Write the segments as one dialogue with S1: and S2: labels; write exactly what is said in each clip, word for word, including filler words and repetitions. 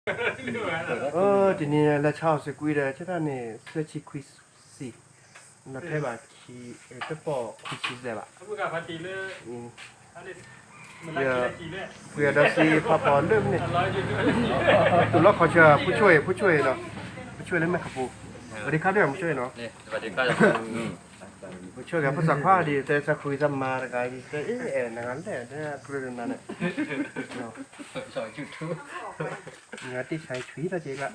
S1: เออทีนี้เราชอบสกุยเลยใช่ไหมเนี่ยเสื้อชีควิสสิเราเทแบบคีเออจะปอกคีชีสเลยปะ
S2: บุกาพาตีเลย
S1: อืม
S2: อะไรมันรักกีฬาจีเลย
S1: เพื่อเราซีพอพอเริ่มเนี่ย
S2: ร้อยยูทูบ
S1: ตัวเราขอเชิญผู้ช่วยผู้ช่วยเนาะผู้ช่วยเล่นไหมครับปูสวัสดีครับด้วยผู้ช่วยเนาะ
S3: สวัสดีครับ
S1: ผู้ช่วยกับภาษาข้าดีแต่จะคุยจะมาอะไรกันแต่เออเออนั่นแหละเนี่ยคุยกันนั่นแหละเนาะ
S3: สอนยูทูบ
S1: งานที่ใช้ชีวิตจริงละ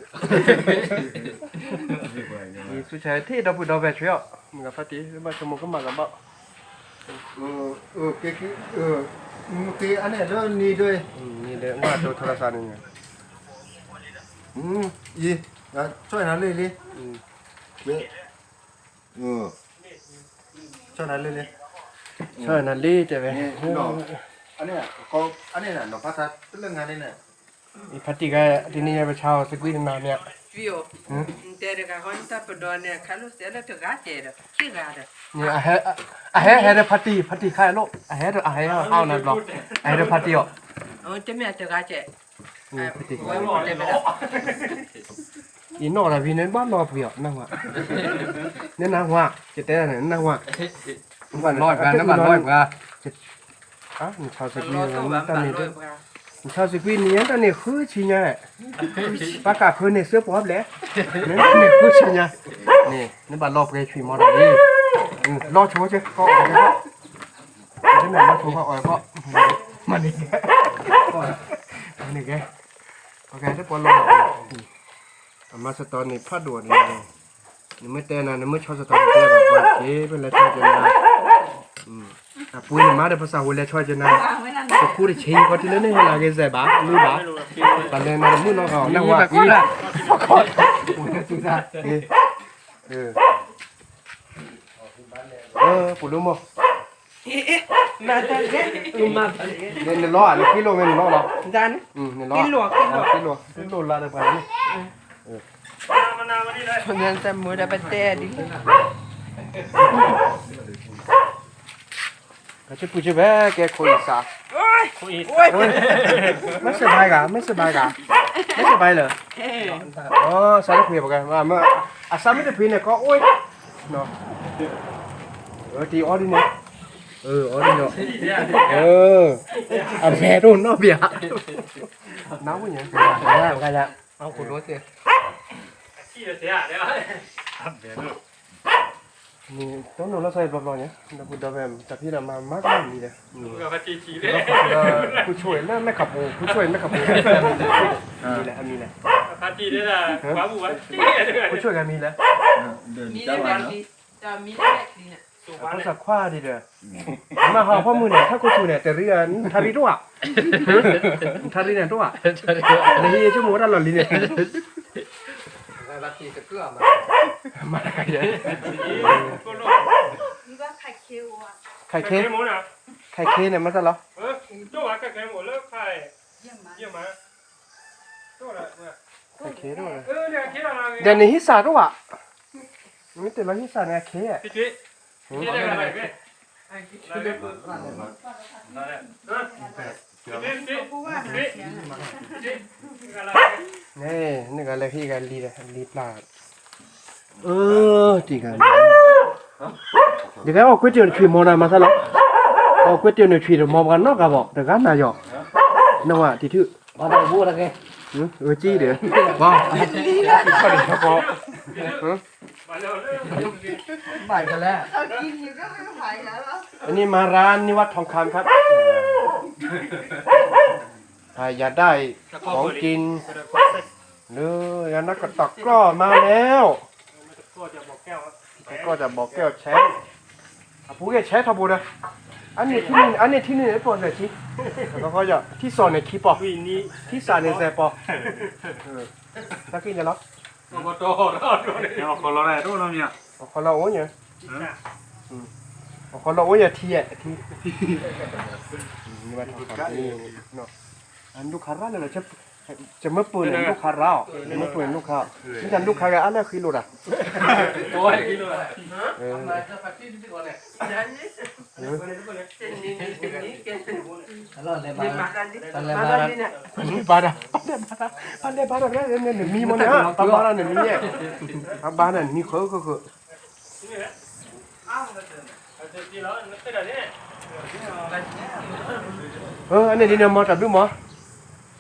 S1: มีสุดท้ายที่เราพูดเราแบบช่วยมึงกับพัดตีมาชมก็มากับบ่เออเออเก๊กเออมึงเก๊อันนี้ด้วยนี่ด้วยนี่เลยว่าตัวโทรศัพท์นี่ไงอืมยี่ช่วยนั่นเลยเลยอืมเว้ยเออช่วยนั่นเลยเลยช่วยนั่นเลยแต่เว้ยอันนี้เขาอันนี้น่ะหนูพัฒนาเรื่องงานนี่น่ะอีพัดตีก็ที่นี่ไปเช่าสกุลนานเนี่ย
S4: Fio. Intere ka honta pedone kalu sele to gatere. Kirada.
S1: เนี่ยอะเฮอะเฮเฮเดพัตตีพัตตีใครลูกอะเฮเดอะเฮเอานั่นหรออะเฮเดพัตตีอ่ะ
S4: On te me to gaje.
S1: อืมพัตตี
S4: Wai mo te me.
S1: อีนอละพี่เนี่ยบ้านนอเพียนั่งว่ะเนี่ยนั่งว่ะจะแต่เนี่ยนั่งว่ะ
S3: มันร้อยกันน้ำมันร้อยกัน
S1: อ่ะมันชาวสกุล
S4: Lo to
S1: นี่
S4: ban
S1: ตอน
S4: ban
S1: นี้
S4: lo bra.
S1: มันชาวสกุลนี่ตอนนี้คือชิญะปากกาคือเนี่ยเสื้อปอบแหละเนี่ยนี่คือชิญะนี่นี่บ้านรอบไงชีมอดนี่อืมรอโชว์เจ้ก็ออกแล้วที่ไหนรอโชว์ก็ออกก็มันนี่มันนี่แกโอเคถ้าปอลงอามาสตอนนี้พาดวนนี่นี่ไม่แต่นะนี่ไม่ชอบสตอนแต่แบบว่าเอ๊ะเป็นอะไรชอบจังนะอืมอ่ะปุ้ยนี่มาได้ภาษาหัวแล้วชอบจังนะก็คู่ได้เชยก็ที่นั่นนี่เฮลาเกซบ้าลือบ้าตอนนั้นนะมื้อน้องเขานั่งว่าอีละขอปุ้ยสุดท้ายเออเออเออปุ้ยรู้มั้ย
S4: Na ta ge. Uma.
S1: เนี่ยเนี่ยล้อเนี่ยกิโลเมตรล้อเหรอ
S4: Dan.
S1: อืมเนี่ยล้อ
S4: กิโลกิโล
S1: กิโลกิโลละได้ไปนี่
S2: มานาววันนี้เลย
S4: Sonen ta muda pate di.
S1: ก็จะพูดจะแว่แกคุยซะ
S4: Oi.
S2: คุย
S4: Oi.
S1: ไม่สบายกะไม่สบายกะไม่สบายเหรอ
S4: Eh.
S1: อ๋อสารคุยบอกกันว่าเมื่ออาสาไม่ได้พินเนี่ยก็โอ้ยเนาะเออทีออดิเนี่ยเออออดิเนาะเอออันแม่รุ่นเนาะเบียร์น้ำมันยังเสียเสียกันละเอาคุณรู้สิ
S2: ขี้เสียเดี๋ยวเดี๋ยว
S1: นี่ต้องหนูเราใส่รอบๆเนี่ยเราพูดแบบแต่พี่เรามามากกว่านี้เลย
S2: บุกาพาตีจีเลย
S1: ผู้ช่วยไม่ไม่ขับปูผู้ช่วยไม่ขับปูมีแหละมีแหละ
S2: พาตีได้ละว้าบุวะจีเลย
S1: ผู้ช่วยกันมีแล้ว
S4: Mi le metti. Ta mi le metti.
S2: สุวรร
S1: ภา
S2: ณ
S1: ษาคว้าดีเด้อมาหาพ่อมือเนี่ยถ้ากูชูเนี่ยแต่เรียนทาริตัวทาริเนี่ยตัวเลยที่ชั่วโมงละหล่อลิเนี่ย
S3: ลักกี้จะเกลือมา
S1: มาไกลเลย
S2: ก็โล
S4: Iba ka kewa.
S1: ไข่
S2: เค
S1: เค้
S2: หมดนะ
S1: ไข่เค้เนี่ยมันจะเหรอ
S2: เออตัวว่าก็เคหมดแล้วใคร
S4: Yema.
S2: เยี่ยมมาตัวละเนี่ย
S1: ไข่เค้ด้วย
S2: เออเนี่ยเคอะไร
S1: เดี๋ยวนี้ฮิสาตัวนี่แต่ละฮิสาเนี่ยเค้อะ
S2: พี่จีพี่ได้อะไรพี่พี่ได้อะไร
S1: นี่นี่ก็เลยพี่กันลีเลยลีปลาเออจริงกันเดี๋ยวก็เอาก๋วยเตี๋ยวขี่มอนามาซะหรอเอาก๋วยเตี๋ยวเนี่ยขี่มอกันนอกกับบอกแต่กันนายกนั่นว่าที่ถือ
S3: มาได้บูดอะไร
S1: อือเออจี้เด้อว้าวก็ได้ครับบ่ฮะ
S2: มาเร็วเร็ว
S3: ใหม่กันแล้ว
S4: Au kin ni ga me hai la.
S1: อันนี้มาร้านนิวัฒน์ทองคำครับถ้าอยากได้ของกินหรืออยากนักกระตอกก็มาแล้ว
S2: ก็จะบอกแก้ว
S1: แล้วก็จะบอกแก้วแชร์อ่ะผู้แกแชร์ทบูนะอันนี้ที่นี่อันนี้ที่นี่ไอ้ปอนเนี่ยที่แล้วก็จะที่สอนในคีปอ
S2: วินี้
S1: ที่สานในแซปอเออถ้ากินจะรับ
S2: มาโตรอดเลย
S5: เดี๋ยวคนเราได้รู้แล้วเนี่ย
S1: เอาคนเราโอ้ยเนี่ยเอาคนเราโอ้ยอย่าทีอ่ะทีนี่ว่าทองคำนี่เนาะอันลูกค้าร้านอะไรจะจะเมื่อปืนลูกค้าเราเมื่อปืนลูกค้านี่กันลูกค้ากันอะไรคือรู้อ่ะ
S2: โอ้ยกินเลย
S1: เออ
S4: Yani. Ni ni ni ke.
S3: รอดเลยมา
S4: Ni makan ni.
S3: Pandai
S4: Makan
S3: marah.
S4: ni nak.
S1: Pandai barang. Pandai barang. Pandai barang kan ni ni mi mana ha? Barang ni mi eh. Barang ni kho kho kho.
S2: ที่แล้วนั่นก็เดี๋ยวนี้
S1: Ờ anh này đi nào mà tập đúng không?